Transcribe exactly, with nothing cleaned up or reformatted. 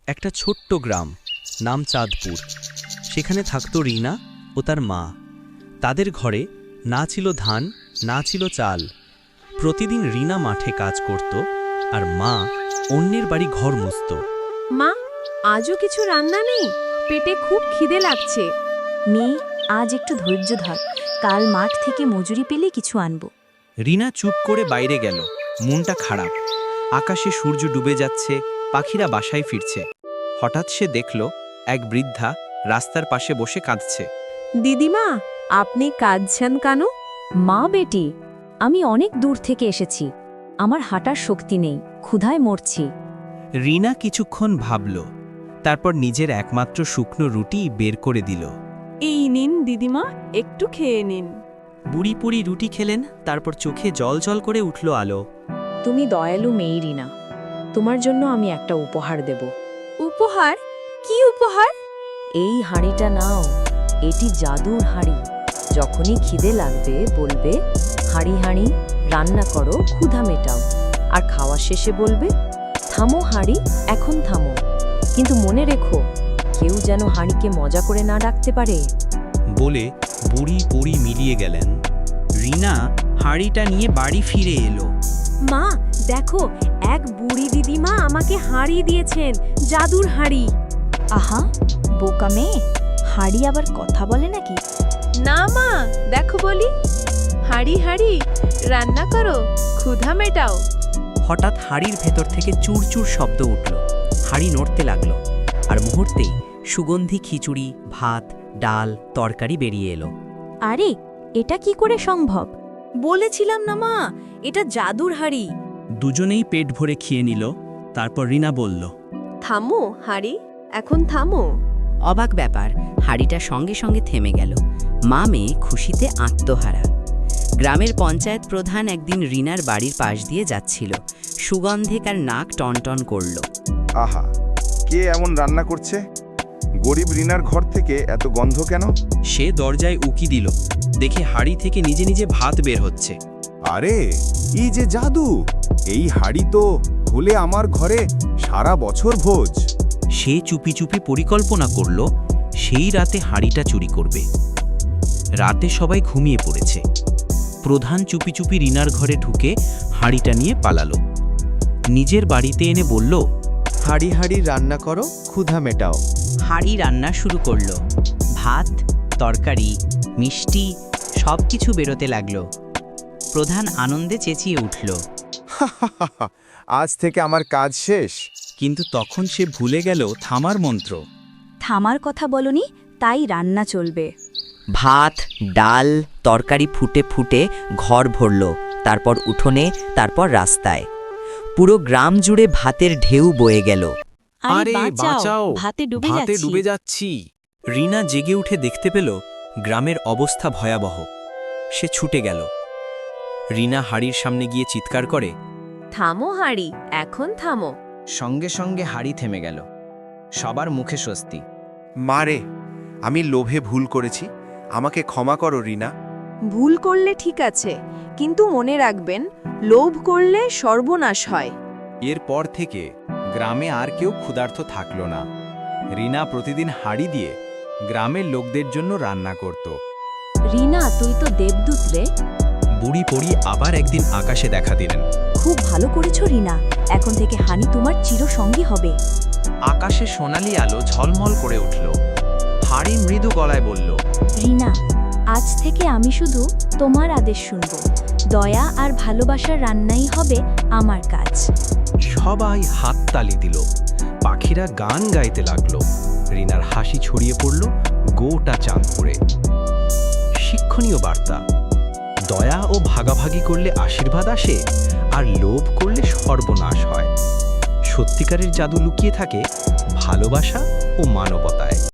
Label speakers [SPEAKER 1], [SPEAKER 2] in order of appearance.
[SPEAKER 1] একটা ছোট্ট গ্রাম, নাম চাঁদপুর। সেখানে থাকত রিনা ও তার মা। তাদের ঘরে না ছিল ধান, না ছিল চাল। প্রতিদিন রিনা মাঠে কাজ করত আর মা অন্যের বাড়ি ঘর মুছত।
[SPEAKER 2] মা, আজও কিছু রান্না নেই? পেটে খুব খিদে লাগছে।
[SPEAKER 3] মেয়ে, আজ একটু ধৈর্য ধর, কাল মাঠ থেকে মজুরি পেলে কিছু আনবো।
[SPEAKER 1] রিনা চুপ করে বাইরে গেল। মনটা খারাপ। আকাশে সূর্য ডুবে যাচ্ছে, পাখিরা বাসায় ফিরছে। হঠাৎ সে দেখল এক বৃদ্ধা রাস্তার পাশে বসে কাঁদছে।
[SPEAKER 2] দিদিমা, আপনি কাঁদছেন কেন?
[SPEAKER 3] মা বেটি, আমি অনেক দূর থেকে এসেছি, আমার হাঁটার শক্তি নেই, ক্ষুধায় মরছি।
[SPEAKER 1] রিনা কিছুক্ষণ ভাবল, তারপর নিজের একমাত্র শুকনো রুটি বের করে দিল।
[SPEAKER 2] এই নিন দিদিমা, একটু খেয়ে নিন।
[SPEAKER 1] বুড়ি পুড়ি রুটি খেলেন, তারপর চোখে জল জল করে উঠল আলো।
[SPEAKER 3] তুমি দয়ালু মেয়ে রিনা, তোমার জন্য আমি একটা উপহার দেব।
[SPEAKER 2] উপহার? কি উপহার?
[SPEAKER 3] এই হাঁড়িটা নাও, এটি জাদুর হাঁড়ি। যখনই খিদে লাগবে বলবে, হাঁড়ি হাঁড়ি রান্না করো, ক্ষুধা মেটাও। আর খাওয়া শেষে বলবে, থামো হাঁড়ি, এখন থামো। কিন্তু মনে রেখো, কেউ যেন হাঁড়িকে মজা করে না ডাকতে পারে।
[SPEAKER 1] বলে বুড়ি পুড়ি মিলিয়ে গেলেন। রিনা হাঁড়িটা নিয়ে বাড়ি ফিরে এলো।
[SPEAKER 2] মা দেখো, এক বুড়ি দিদিমা আমাকে হাঁড়ি দিয়েছেন, জাদুর হাঁড়ি।
[SPEAKER 3] আহা, বোকা মেয়ে, হাঁড়ি আবার কথা বলে নাকি?
[SPEAKER 2] না মা, দেখো বলি, হাঁড়ি হাঁড়ি রান্না করো, ক্ষুধা মেটাও।
[SPEAKER 4] হঠাৎ হাঁড়ির ভেতর থেকে চুরচুর শব্দ উঠল। হাঁড়ি নড়তে লাগলো, আর মুহূর্তেই সুগন্ধি খিচুড়ি, ভাত, ডাল, তরকারি বেরিয়ে এলো।
[SPEAKER 3] আরে, এটা কি করে সম্ভব?
[SPEAKER 2] বলেছিলাম না মা, এটা জাদুর হাঁড়ি।
[SPEAKER 1] দুজনেই পেট ভরে খেয়ে নিল। তারপর রিনা বলল,
[SPEAKER 2] থামো হাঁড়ি, এখন থামো।
[SPEAKER 4] অবাক ব্যাপার, হাঁড়িটা সঙ্গে সঙ্গে থেমে গেল। মা মেয়ে খুশিতে আত্মহারা। গ্রামের পঞ্চায়েত প্রধান একদিন রিনার বাড়ির পাশ দিয়ে যাচ্ছিল। সুগন্ধে তার নাক টনটন করল।
[SPEAKER 5] আহা, কে এমন রান্না করছে? গরিব রিনার ঘর থেকে এত গন্ধ কেন?
[SPEAKER 1] সে দরজায় উকি দিল, দেখে হাঁড়ি থেকে নিজে নিজে ভাত বের হচ্ছে।
[SPEAKER 5] আরে, এই যে জাদু! এই হাঁড়ি তো হলে আমার ঘরে সারা বছর ভোজ।
[SPEAKER 1] সে চুপি চুপি পরিকল্পনা করল সেই রাতে হাঁড়িটা চুরি করবে। রাতে সবাই ঘুমিয়ে পড়েছে। প্রধান চুপি চুপি রিনার ঘরে ঢুকে হাঁড়িটা নিয়ে পালালো। নিজের বাড়িতে এনে বলল,
[SPEAKER 6] হাঁড়ি হাঁড়ি রান্না করো, ক্ষুধা মেটাও।
[SPEAKER 4] হাঁড়ি রান্না শুরু করলো। ভাত, তরকারি, মিষ্টি সব কিছু বেরোতে লাগলো। প্রধান আনন্দে চেঁচিয়ে উঠল।
[SPEAKER 5] আজ থেকে আমার কাজ শেষ।
[SPEAKER 1] কিন্তু তখন সে ভুলে গেল থামার মন্ত্র।
[SPEAKER 3] থামার কথা বলনি, তাই রান্না চলবে।
[SPEAKER 4] ভাত, ডাল, তরকারি ফুটে ফুটে ঘর ভরল, তারপর উঠোনে, তারপর রাস্তায়। পুরো গ্রাম জুড়ে ভাতের ঢেউ বয়ে গেল।
[SPEAKER 1] আরে বাঁচাও,
[SPEAKER 3] ভাতে ডুবে
[SPEAKER 1] ভাতে
[SPEAKER 3] যাচ্ছি।
[SPEAKER 1] ডুবে যাচ্ছি। রিনা জেগে উঠে দেখতে পেল গ্রামের অবস্থা ভয়াবহ। সে ছুটে গেল। রিনা হাড়ির সামনে গিয়ে চিৎকার করে,
[SPEAKER 2] থামো হাঁড়ি, এখন থামো।
[SPEAKER 7] সঙ্গে সঙ্গে হাড়ি থেমে গেল। সবার মুখে স্বস্তি।
[SPEAKER 6] মারে, আমি লোভে ভুল করেছি, আমাকে ক্ষমা করো রিনা।
[SPEAKER 2] ভুল করলে ঠিক আছে, কিন্তু মনে রাখবেন, লোভ করলে সর্বনাশ হয়।
[SPEAKER 5] এরপর থেকে গ্রামে আর কেউ ক্ষুধার্ত থাকল না। রিনা প্রতিদিন হাঁড়ি দিয়ে গ্রামের লোকদের জন্য রান্না করত।
[SPEAKER 3] রিনা, তুই তো দেবদূত রে।
[SPEAKER 1] বুড়ি পড়ি আবার একদিন আকাশে দেখা দিলেন।
[SPEAKER 3] খুব ভালো করেছো রিনা, এখন থেকে হানি তোমার চিরসঙ্গী হবে।
[SPEAKER 7] আকাশে সোনালি আলো ঝলমল করে উঠল। হাড়ি মৃদু গলায় বলল,
[SPEAKER 3] রিনা, আজ থেকে আমি শুধু তোমার আদেশ শুনব। দয়া আর ভালোবাসার রান্নাই হবে আমার কাজ।
[SPEAKER 1] সবাই হাততালি দিল, পাখিরা গান গাইতে লাগলো। রিনার হাসি ছড়িয়ে পড়ল গোটা চাঁদপুরে। শিক্ষণীয় বার্তা: দয়া ও ভাগাভাগি করলে আশীর্বাদ আসে, আর লোভ করলে সর্বনাশ হয়। সত্যিকারের জাদু লুকিয়ে থাকে ভালোবাসা ও মানবতায়।